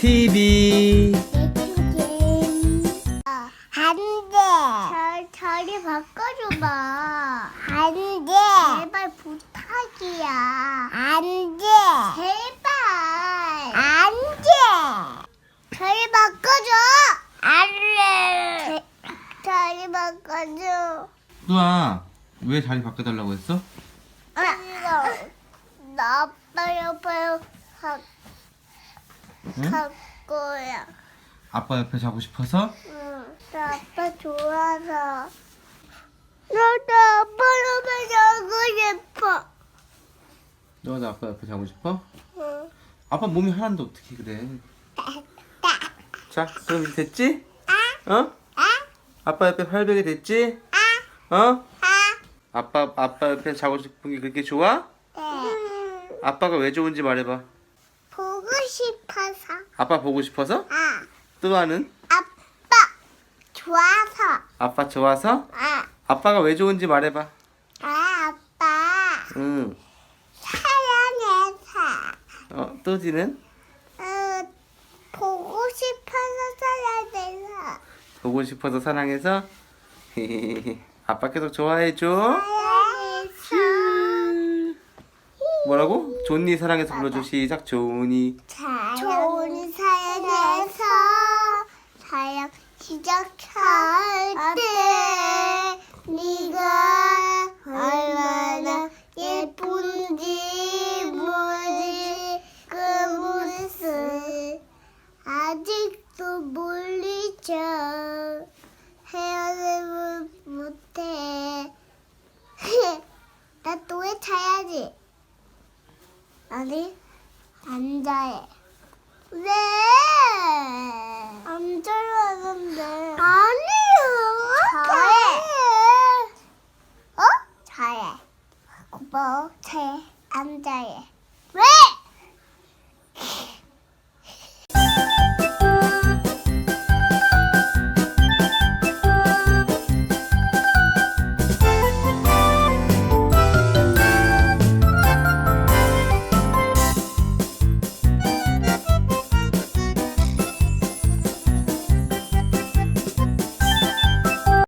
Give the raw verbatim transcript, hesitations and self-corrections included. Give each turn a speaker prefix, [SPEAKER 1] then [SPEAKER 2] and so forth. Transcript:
[SPEAKER 1] 티비.
[SPEAKER 2] 안 돼. 저, 저리 바꿔줘봐. 안 돼. 제발 부탁이야. 안 돼. 제발. 안 돼. 저리 바꿔줘. 안 돼. 저리 바꿔줘.
[SPEAKER 1] 누아, 왜 자리 바꿔달라고 했어?
[SPEAKER 2] 나, 나 아빠 옆에 가,
[SPEAKER 1] 응?
[SPEAKER 2] 갈 거야.
[SPEAKER 1] 아빠 옆에 자고 싶어서?
[SPEAKER 2] 응, 나 아빠 좋아서. 나도 아빠 옆에 자고 싶어.
[SPEAKER 1] 너도 아빠 옆에 자고 싶어?
[SPEAKER 2] 응.
[SPEAKER 1] 아빠 몸이 하나인데 어떻게 그래? 자, 그럼 이제 됐지? 어? 아빠 옆에 팔베개 됐지? 어? 아빠 아빠 옆에 자고 싶은 게 그렇게 좋아?
[SPEAKER 2] 네.
[SPEAKER 1] 아빠가 왜 좋은지 말해봐.
[SPEAKER 2] 보고 싶어서.
[SPEAKER 1] 아빠 보고 싶어서?
[SPEAKER 2] 아,
[SPEAKER 1] 뚜아는?
[SPEAKER 2] 아빠 좋아서.
[SPEAKER 1] 아빠 좋아서?
[SPEAKER 2] 아,
[SPEAKER 1] 아빠가 왜 좋은지 말해봐.
[SPEAKER 2] 아 아빠
[SPEAKER 1] 응.
[SPEAKER 2] 사랑해서.
[SPEAKER 1] 어, 뚜지는?
[SPEAKER 2] 어, 보고 싶어서 사랑해서.
[SPEAKER 1] 보고 싶어서 사랑해서? 아빠 계속 좋아해줘.
[SPEAKER 2] 사랑해서.
[SPEAKER 1] 뭐라고? 존니 사랑해서 불러줘. 시작. 존니.
[SPEAKER 2] 좋은 사연에서 사연 시작할 때 네가 얼마나 예쁜지 모르지 그 모습 아직도 몰리죠. 헤어짐을 못해. 나 또 왜 자야지? 아니, 앉아해. 왜? 앉으라는데. 아니요. 자해. 어? 자해. 고마워. 자해. 앉아해. 왜?